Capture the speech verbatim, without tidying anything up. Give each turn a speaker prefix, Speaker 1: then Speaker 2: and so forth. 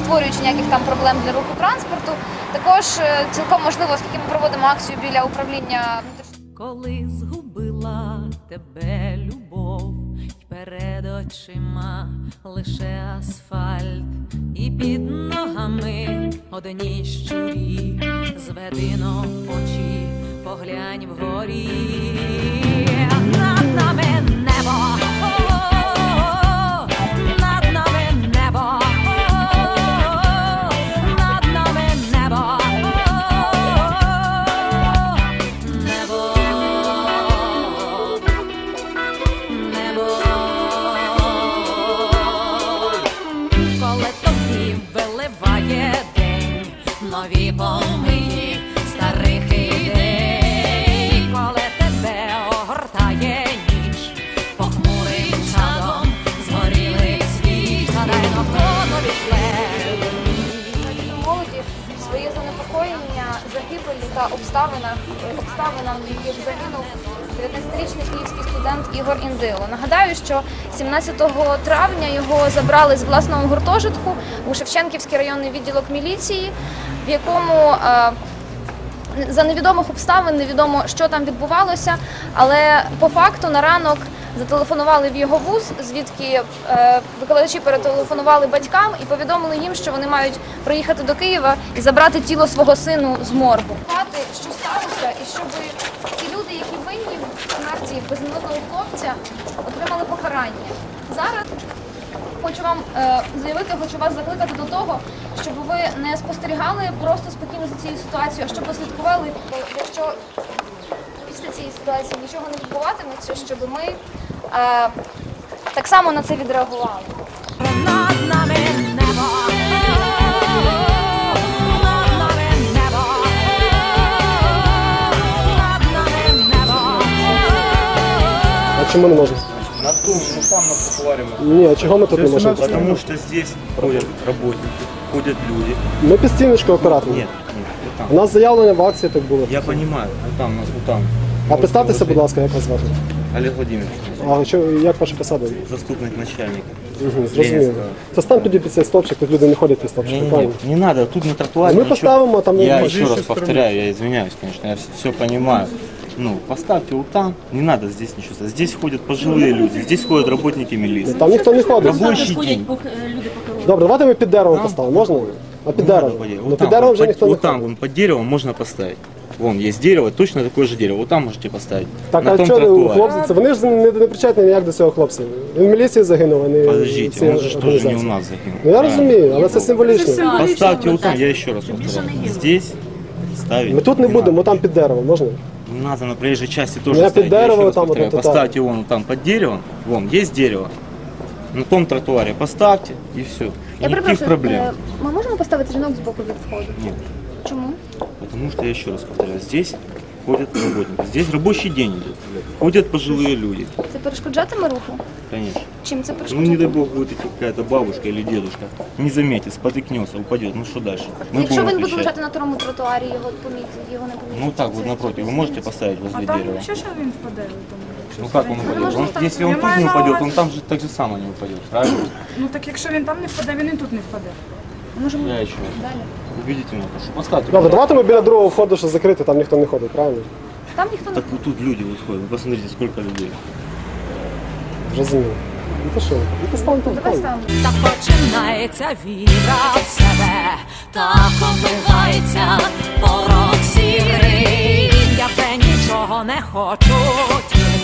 Speaker 1: створюючи ніяких там проблем для руху транспорту. Також цілком можливо, оскільки ми проводимо акцію біля управління внутрішньої.
Speaker 2: Коли згубила тебе любов, й перед очима лише асфальт, і під ногами одні щурі, зведи но очі, поглянь вгорі, над нами небо. Нові помиї старих ідей, коли тебе огортає ніч, похмурим чадом згорілих світ, гадайно хто нові шле.
Speaker 1: Молоді своє занепокоєння загибелі та обставинах, обставинам, в яких загинув дев'ятнадцятирічний київський студент Ігор Індило. Нагадаю, що сімнадцятого травня його забрали з власного гуртожитку у Шевченківський районний відділок міліції, в якому за невідомих обставин невідомо, що там відбувалося, але по факту на ранок зателефонували в його вуз, звідки викладачі перетелефонували батькам і повідомили їм, що вони мають приїхати до Києва і забрати тіло свого сину з моргу. Що сталося, і щоб ті люди, які винні в смерті безневинного хлопця, отримали покарання. Зараз хочу вам е, заявити, хочу вас закликати до того, щоб ви не спостерігали просто спокійно за цією ситуацією, а щоб послідкували, якщо після цієї ситуації нічого не відбуватиметься, щоб ми е, так само на це відреагували.
Speaker 2: Над нами небо.
Speaker 3: А чому не можемо?
Speaker 4: На том, ну там на тротуаре можно.
Speaker 3: Ні, а чого ми тут не можемо?
Speaker 4: Потому что здесь ходят работники, ходят люди.
Speaker 3: Ми під стіночкою акуратно.
Speaker 4: Нет, нет, вот там.
Speaker 3: У нас заявлення в акції так було.
Speaker 4: Я понимаю, вот там, у нас, вот там.
Speaker 3: А представтеся, будь ласка, як вас звати?
Speaker 4: Олег Владимирович,
Speaker 3: А що, як ваша посада?
Speaker 4: заступник начальника.
Speaker 3: Угу, зрозуміло. Це стань тоді під цей стовпчик, тут люди не ходять під стовпчик,
Speaker 4: Не, не,
Speaker 3: правильно?
Speaker 4: не, не надо, тут на тротуаре.
Speaker 3: Мы
Speaker 4: ничего.
Speaker 3: поставим, а там...
Speaker 4: Я
Speaker 3: ну,
Speaker 4: еще раз повторяю, я извиняюсь, конечно, я все понимаю. Ну, поставьте вот там, не надо здесь ничего. Здесь ходят пожилые люди, здесь ходят работники милиции.
Speaker 3: Там ніхто не ходить.
Speaker 4: Рабочий день.
Speaker 3: Добре, давайте ми під деревом поставимо, можна? А під
Speaker 4: Не надо
Speaker 3: деревом?
Speaker 4: по дереву.
Speaker 3: Ну
Speaker 4: Вот
Speaker 3: під
Speaker 4: там,
Speaker 3: деревом
Speaker 4: вот
Speaker 3: вже
Speaker 4: по-
Speaker 3: ніхто не
Speaker 4: вот там,
Speaker 3: ходить.
Speaker 4: вон под деревом можно поставить. Вон есть дерево, точно такое же дерево. Вот там можете поставить.
Speaker 3: Так,
Speaker 4: на
Speaker 3: а
Speaker 4: том
Speaker 3: що у
Speaker 4: тротуаре.
Speaker 3: хлопці? Це вони ж не, не причетні ніяк до цього хлопця. Він в міліції загинув, а не
Speaker 4: Подождите,
Speaker 3: ці
Speaker 4: он же тоже не у
Speaker 3: організації.
Speaker 4: нас загинул.
Speaker 3: Ну я
Speaker 4: правильно?
Speaker 3: розумію, але це символічно.
Speaker 4: Поставьте вот там, я еще раз повторяю. Здесь ставить.
Speaker 3: Ми тут не будемо,
Speaker 4: надо.
Speaker 3: там під деревом, можна?
Speaker 4: Не надо на проезжей части тоже
Speaker 3: Я
Speaker 4: ставить.
Speaker 3: под
Speaker 4: Я еще
Speaker 3: дерево
Speaker 4: раз
Speaker 3: там вот
Speaker 4: повторяю.
Speaker 3: это так.
Speaker 4: Поставьте вон там под деревом. Вон, есть дерево. На том тротуаре поставьте и все. И
Speaker 1: Я
Speaker 4: никаких
Speaker 1: перепрошую,
Speaker 4: проблем.
Speaker 1: е, ми можемо поставити жінок з боку від входу?
Speaker 4: Нет.
Speaker 1: Чому?
Speaker 4: Потому что я еще раз повторяю, здесь ходят работники. Здесь рабочий день идет. Ходят пожилые люди.
Speaker 1: Це перешкоджатиме руху?
Speaker 4: Конечно.
Speaker 1: Чим це
Speaker 4: Ну
Speaker 1: перешкоджатиме?
Speaker 4: не дай бог будет идти какая-то бабушка или дедушка. Не заметит, спотыкнется, упадет. Ну что дальше? Мы
Speaker 1: Якщо
Speaker 4: будем
Speaker 1: він буде
Speaker 4: отвечать.
Speaker 1: лежати на второму тротуарі, його помітять, його не помітять.
Speaker 4: Ну так вот напротив, вы можете поставить возле
Speaker 5: А там
Speaker 4: дерева?
Speaker 5: нічого, що він впаде? Там, якщо
Speaker 4: Ну как он
Speaker 5: стоїть?
Speaker 4: упадет? Он, если он
Speaker 5: Я
Speaker 4: тут
Speaker 5: маю
Speaker 4: не
Speaker 5: на
Speaker 4: упадет,
Speaker 5: увазі-
Speaker 4: он там же так же само не упадет, правильно?
Speaker 5: Ну так якщо він там не впаде, він і тут не впаде.
Speaker 1: Можемо
Speaker 4: Я еще раз.
Speaker 1: далі.
Speaker 4: Убедительно, прошу. Поставьте.
Speaker 3: Добре, давайте ми біля другого входу, що закрити, там ніхто не ходить, правильно?
Speaker 1: Там ніхто не
Speaker 4: Так вот тут люди вот ходят. Вы посмотрите, сколько людей.
Speaker 3: Зрозуміло. Ну то що, ну поставимо тут.
Speaker 1: Давай
Speaker 3: правильно.
Speaker 1: ставимо.
Speaker 2: Так починається віра в себе, так оббивається порог сірий. Я вже нічого не хочу, тільки